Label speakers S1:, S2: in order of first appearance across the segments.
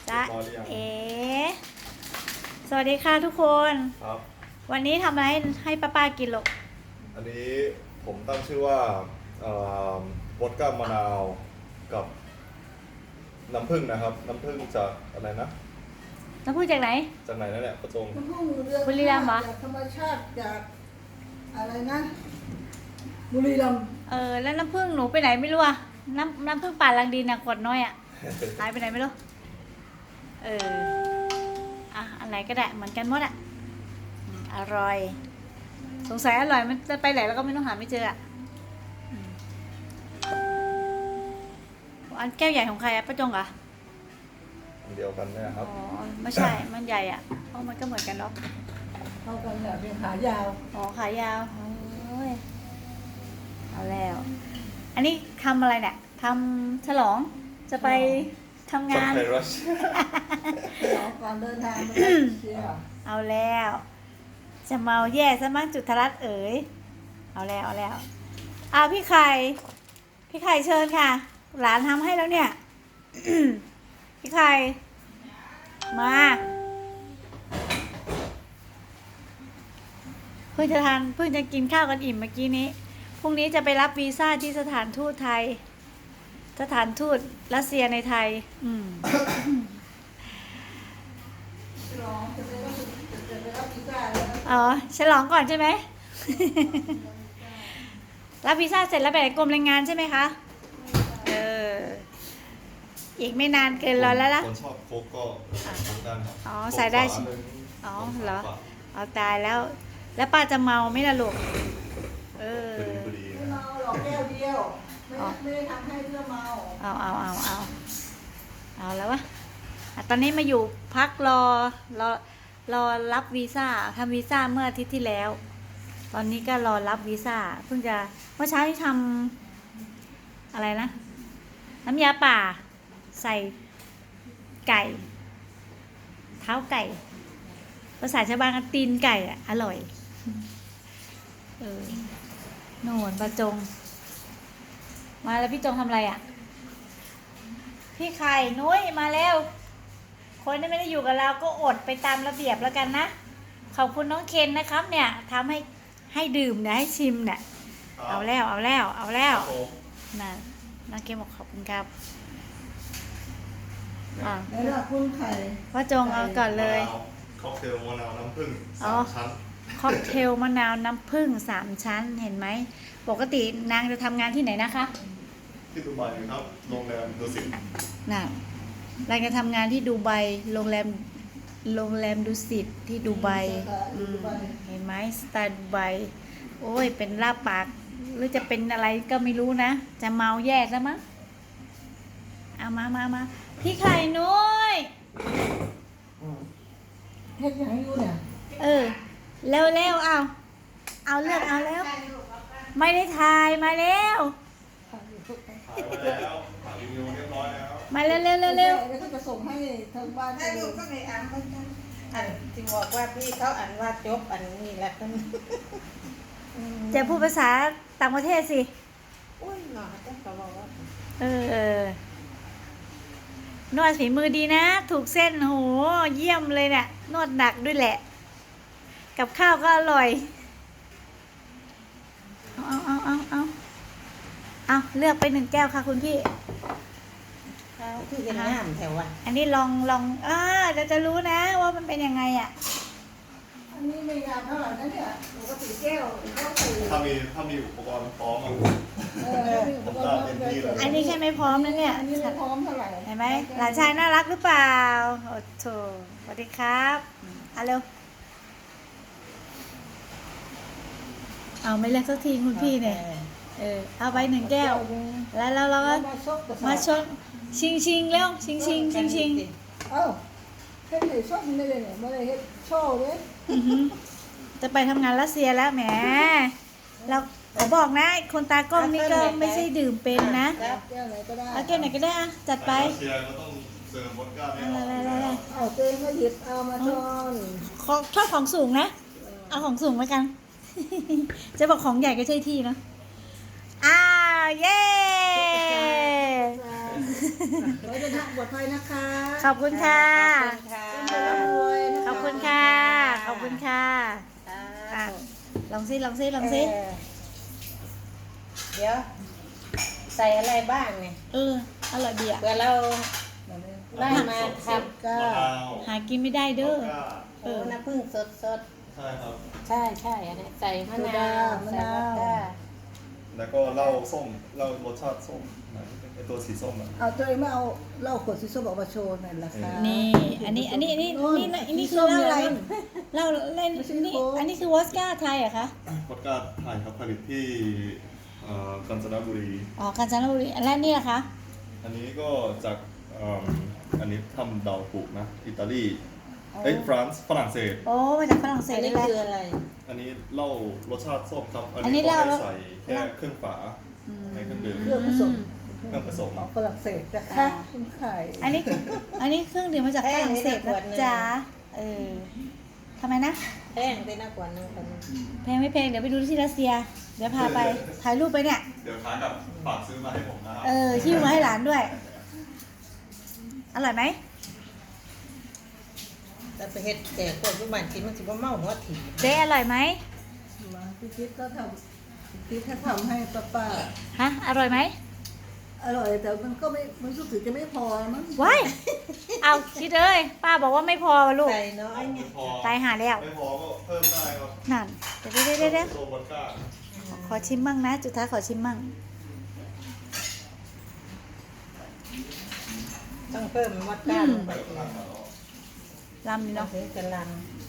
S1: จ๊ะ
S2: เรียบร้อยหรือยัง
S1: เอสวัสดีค่ะทุกคน
S2: ครับ
S1: วันนี้ทำอะไรให้ป้ากินลูก
S2: อันนี้ผมตั้งชื่อว่าบดก้ามะนาวกับน้ำผึ้งนะครับ น้ำผึ้งจากอะไรนะ
S1: น้ำพูดจากไหน
S2: จากไหนนั่นแหละประจง
S3: น้ำผึ้งเรือ
S1: บุรีรัมย์เหรอ
S3: จากธรรมชาติจากอะไรนะบุรีรัมย์
S1: แล้วน้ำผึ้งหนูไปไหนไม่รู้อะน้ำผึ้งป่าลังดินอะขวดน้อยอะ หายไปไหนไม่รู้อันไหนก็ได้เหมือนกันหมดอะอร่อย สงสัยอร่อยมันจะไปไหนแล้วก็ไม่ต้องหาไม่เจออะอันแก้วใหญ่ของใครอะป้าจงเหรอ
S2: อันเดียวกันเนี่ยครับ
S1: อ๋อไม่ใช่ มันใหญ่อะเพราะมันก็เหมือนกันเนาะ
S3: เข้ากันแบบเป็นขายาว
S1: อ๋อขายาวโอ้ยเอาแล้ว อันนี้ทำอะไรเนี่ยทำฉลองจะไปทำ
S2: จาก
S1: งาน
S2: ไทยรัช
S3: ออกก่อนเดินทางไปเชียร์
S1: เอาแล้ว จะเมาแย่ซะมั้งจุฑรัตน์เอ๋ยเอาแล้วพี่ไข่เชิญค่ะ หลานทำให้แล้วเนี่ย พี่ไข่มาเพิ่งจะกินข้าวกันอิ่มเมื่อกี้นี้พรุ่งนี้จะไปรับวีซ่าที่สถานทูตไทย สถานทูตรัสเซียในไทย
S3: จะไปรับพิซซ่าแล้ว
S1: อ๋อฉลองก่อนใช่ไหม รับวีซ่าเสร็จแล้วไปไหนกรมแรงงานใช่ไหมคะอีกไม่นานเกินรอแล้วล่ะ
S2: คนชอบโค้กก็ทำได้ครับ
S1: อ๋อใส่ได้
S2: โค้กฝาหนึ่ง
S1: อ๋อเหรอ
S2: ฝา
S1: เอาตายแล้ว แล้วป้าจะเมาไหมล่ะลูก
S2: พอดี
S3: ไม่
S2: นะ
S3: เมาหรอกแก้วเดียวไม่ได้ทำให้เพื่อเมา
S1: เอาแล้ววะตอนนี้มาอยู่พักรอรับวีซ่าทำวีซ่าเมื่ออาทิตย์ที่แล้ว ตอนนี้ก็รอรับวีซ่าเพิ่งจะเมื่อเช้าที่ทำอะไรนะน้ำยาป่าใส่ไก่ เท้าไก่ภาษาชาวบ้านก็ตีนไก่อะอร่อยโน่นประจงมาแล้วพี่จงทำอะไรอ่ะพี่ไข่นุ้ยมาแล้ว คนที่ไม่ได้อยู่กับเราก็อดไปตามระเบียบแล้วกันนะขอบคุณน้องเคนนะครับเนี่ยทำให้ดื่มเนี่ยให้ชิมเนี่ยเอาแล้วน่ะน้องเคนบอกขอบคุณครับ
S3: แล้วล่ะคุณไข่
S1: พ่อจงเอาก่อนเลย
S2: ค็อกเทลมะนาวน้ำผึ้ง
S1: อ๋อ
S2: 3 ชั้น
S1: ค็อกเทลมะนาวน้ำผึ้ง3 ชั้นเห็นไหมปกตินางจะทำงานที่ไหนนะคะ
S2: ที่ดูไบครับ โรงแรมดุสิต
S1: น่ะนางจะทำงานที่ดูไบโรงแรมดุสิตที่ดูไบเห็นไหมสไตล์ดูไบโอ้ยเป็นลาบปากหรือจะเป็นอะไรก็ไม่รู้นะจะเมาแย่ซะมั้งเอามาพี่ไข่นุ้ย
S3: เฮ็ดยังอยู่เนี่ย
S1: เร็วเอาเลือกเอาแล้วไม่ได้ถ่ายมาแล้ว
S2: ถ่ายไว้แล้วถ่ายรีวิวเรียบร้อยแล้ว
S1: มาเร็ว
S3: แล้วก็จะส่งให้ทางบ้าน
S4: ได้ลูกก็ในอ่านเหมือนกันอันที่บอกว่าพี่เขาอ่านว่าจบอันนี้แหละกัน
S1: จะพูดภาษาต่างประเทศสิ
S4: อุ้ยหน่อจังก็บอกว่าน
S1: วดฝีมือดีนะ ถูกเส้นโหเยี่ยมเลยเนี่ยนวดหนักด้วยแหละ กับข้าวก็อร่อยเอาเลือกไป1 แก้วค่ะคุณพี่
S4: เขาคือเห็นงามแถวอ่ะ
S1: อันนี้ลองจะรู้นะว่ามันเป็นยังไงอ่ะ
S3: อันนี้ไม่ยาวเท่าไหร่นะเนี่ยปกติแก้วสี่
S2: ถ้ามีอุปกรณ์พร้อมอ่ะ
S3: ผมได้เต็มที่เลย
S1: อันนี้แค่ไม่พร้อมนะเนี่ย
S3: อันนี้ไม่พร้อมเท่าไหร่
S1: เห็นไหมหลานชายน่ารักหรือเปล่าโอ้โถสวัสดีครับเอาเร็วเอาไม่เลือกสักทีคุณพี่เนี่ยเอาไป1 แก้ว แล้วเราก็มาชนชิงเร็วชิง
S3: เอ้าเฮ็ดให้ส้มเลยเนี่ยไม่ได้เฮ็ดโชว์เลย
S1: จะไปทำงานรัสเซียแล้วแหมเราขอบอกนะคนตากล้องนี่ก็ไม่ใช่ดื่มเป็นนะ
S3: แก้วไหนก็ได้
S1: เอาแก้วไหนก็ได้อะจัดไป
S2: รัสเซียก็ต้องเสิร์ฟวอดก้าเนี่ย
S3: เอาเต้ก็หยิบเอามาทอน
S1: ชอบของสูงนะ เอาของสูงไว้กัน จะบอกของใหญ่ก็ใช่ที่นะอ้าวเย้
S3: ขอให้เดินทางปลอดภัยนะคะ
S1: ขอบคุณค่ะ
S4: ขอบคุณค่ะ
S3: ร่ำรวยนะคะ
S1: ขอบคุณค่ะ ขอบคุณค่ะอ่ะลองซิลองซิลองซิ
S4: เดี๋ยวใส่อะไรบ้างเนี่ย
S1: อร่อยดีอ่ะ
S4: เพื่อเรา
S3: มาเลย
S4: ได้มาท
S3: ก้าม
S2: ะนาว
S1: หากินไม่ได้
S2: ว
S1: เด้
S2: อ
S1: อ
S2: ดก้า
S4: ำโอ้น้ำผึ้งสด
S2: ใช่ครับ
S4: ๆ ใช่ใช่อันนี้ใส่มะนาวใส่วอดก้า
S2: แล้วก็เหล้าส้มเหล้ารสชาติส้มไอตัวสีส้มอ่ะ
S3: เอาตัวเองไม่เอาเหล้าขวดสีส้มออกมาโชว์หน่อยละคะ
S1: นี่ อันนี้คือ
S3: ส้ม
S1: เหล้าอะไร
S3: นี่ย
S1: เหล้าเล่น
S3: ไม่ใช่
S1: นี่
S3: โค้ก
S1: อันนี้คือวอสก้าไทยเหรอะคะ
S2: วอดก้าไทยครับผลิตที่กาญจนบุรี
S1: อ๋อกาญจนบุรีอันแรกนี่เหรอคะ
S2: อันนี้ก็จากอันนี้ทำดาวปุนะอิตาลีเอ้ยฝรั่งเศส
S1: โอ้มาจากฝรั่งเศ
S4: อั
S1: ส
S4: น
S1: เล
S4: นี้
S1: ยแหละ
S4: คืออะไร
S2: อันนี้เหล้ารสชาติส้มครับ
S1: อั
S2: อั
S1: น
S2: น
S1: นี้
S2: นี้ก็
S1: เหล้า
S2: ให้ใส่แค่ครึ่งฝาในเครื่องดื่ม
S3: เครื่องผสม
S2: เครื่องผสม
S3: ของฝรั่งเศสนะคะคุณไข่
S1: อันนี้เครื่องดื่มมาจากฝรั่งเศสนะจ๊ะทำไมนะ
S4: แป้งได้น่ากว่านึงคน
S1: แพงไม่แพงเดี๋ยวไปดูที่รัสเซีย เดี๋ยวพาไปถ่ายรูปไปเนี่ย
S2: เดี๋ยวค้ากับฝากซื้อมาให้ผมนะครับ
S1: หิ้วมาให้หลานด้วย อร่อยไหม
S4: แต่ไปเฮ็ดแจกคนทุกบ้านกินมันสิบ่เมาหัวถี่
S1: เจ๊อร่อยไหม
S3: มาพี่คิดก็ทำพี่แค่ทำให้ป้า
S1: ฮะอร่อยไหม
S3: ๆอร่อยแต่มันก็ไม่มันรู้สึกจะไม่พอมั้ง
S1: ว้ายเอาคิดเลยป้าบอกว่าไม่พอวะลูก
S4: ใส่น้อยไง
S2: ไม่พอ
S1: ตายหาแล้ว
S2: ไม่พอก็เพิ่มได้ครับ
S1: นั่นเดี๋ยว
S2: ตัววอดก้า
S1: ขอชิมมั่งนะ จุดท้ายขอชิมมั่ง
S4: ต้องเพิ่มวอดก้าลงไป
S2: ไปกับข้างมาแล้ว
S1: ลำนี่
S4: เนาะ
S1: เนาะ
S4: ถึงจะลัง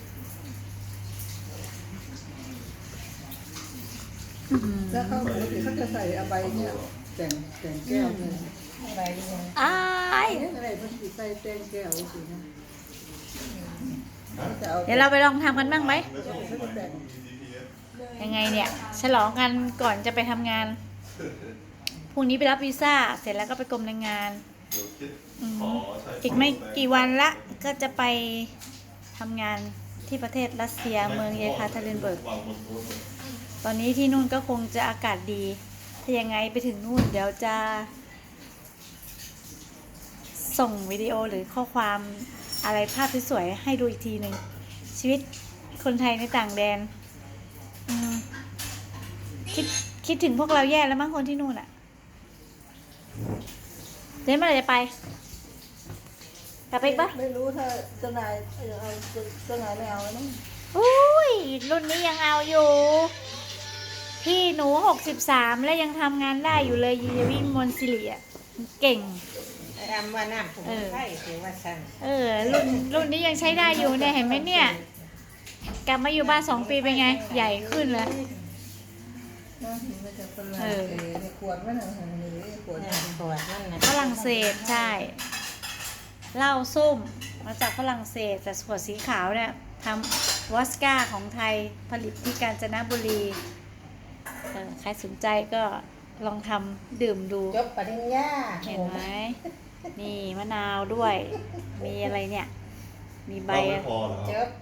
S3: แล้วเขาปกติเขาจะใส่อะไรเนี่ยแต่งแก้วเนี่ย
S4: อะไรยัง
S1: อ้าย
S3: อะไรมันติดใส่แต่งแก้วสินะจะเอา
S1: เดี๋ยวเราไปลองทำกันบ้างไหม
S2: ไม่ชอบสมัยนี้มี GPS
S1: ยังไงเนี่ย ฉลองกันก่อนจะไปทำงาน พรุ่งนี้ไปรับวีซ่า เสร็จแล้วก็ไปกรมแรงงาน
S2: เดี๋ยวคิด
S1: อืม
S2: ขอใช้
S1: อีกไม่กี่วันละก็จะไปทำงานที่ประเทศรัสเซียเมืองเยคาเทรินเบิร์ก
S2: วางบนโต๊ะเลย
S1: ตอนนี้ที่นู่นก็คงจะอากาศดี ถ้ายังไงไปถึงนู่นเดี๋ยวจะ ส่งวิดีโอหรือข้อความอะไรภาพสวยๆให้ดูอีกทีหนึ่งชีวิตคนไทยในต่างแดนอืมคิดถึงพวกเราแย่แล้วมั้งคนที่นู่นอะเจ๊เมื่อไหร่จะไปกลับไปอีกปะ
S3: ไม่รู้ถ้าเจ้านายเอาเจ้านายไม่เอาแล้วมั้ง
S1: อุ้ยรุ่นนี้ยังเอาอยู่ พี่หนู63แล้วยังทำงานได้อยู่เลยยีวิ่งมนซิลีอะเก่ง
S4: ไอ้อำว่าน้ำผงไข่ถือว่าสั่ง
S1: รุ่นนี้ยังใช้ได้อยู่เนี่ยเห็นไหมเนี่ย กลับมาอยู่บ้าน2 ปีเป็นไง ใหญ่ขึ้นแล้ว
S3: น่าถึงมาจากฝรั่งเศสในขวดมันอะไรนี่ขวด
S4: เนี่ยปวดนั่นนะ
S1: ฝรั่งเศสใช่เหล้าส้มมาจากฝรั่งเศสแต่ขวดสีขาวเนี่ยทำวอสก้าของไทยผลิตที่กาญจนบุรีใครสนใจก็ลองทำดื่มดู
S4: จบปริญญา
S1: เห็นไหมนี่มะนาวด้วย มีอะไรเนี่ย มีใบ
S2: เราไม่พอเหรอ
S4: จ
S2: ครับ
S4: บ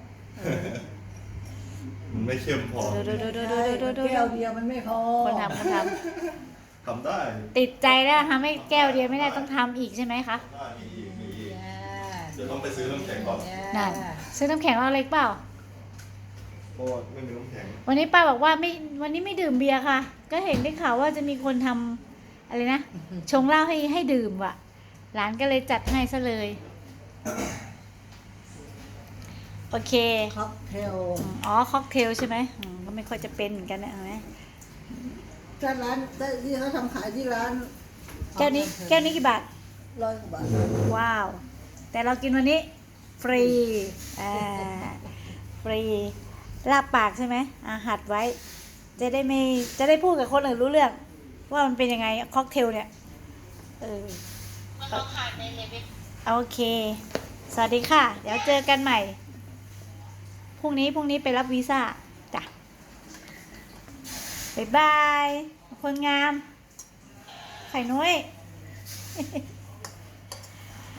S2: มันไม่เข้มพอ
S1: ดู
S3: แก้วเดียวมันไม่พอ
S1: คนทำ
S2: ทำได้
S1: ติดใจแล้วทำให้แก้วเดียวไม่ได้ต้องทำอีกใช่ไหมคะ
S2: ได้มีอีกมีอีก
S4: จ้า
S2: เดี๋ยวต้องไปซื้อน้ำแข็งก่อน
S1: นั่นซื้อน้ำแข็งเอาเล็กเปล่า
S2: เพราะว่าไม่มีน้ำแข็ง
S1: วันนี้ป้าบอกว่าวันนี้ไม่ดื่มเบียร์ค่ะ ก็เห็นได้ข่าวว่าจะมีคนทำอะไรนะ ชงเหล้าให้ดื่มว่ะ หลานก็เลยจัดให้ซะเลย โอเค
S3: ค็อกเทล
S1: อ๋อค็อกเทลใช่ไหมก็ไม่ค่อยจะเป็นเหมือนกันนะเห็นไหม
S3: ถ้าร้านที่เขาทำขายที่ร้าน
S1: แก้วนี้กี่บาท
S3: 100 กว่าบาท
S1: ว้าว แต่เรากินวันนี้ ฟรีฟรีลาบปากใช่ไหมหัดไว้ จะได้พูดกับคนอื่นรู้เรื่อง ว่ามันเป็นยังไงค็อกเทลเนี่ยโอเค สวัสดีค่ะ เดี๋ยวเจอกันใหม่ พรุ่งนี้ไปรับวีซ่าจ้ะบ๊ายบาย คนงาม ไข่นุ้ย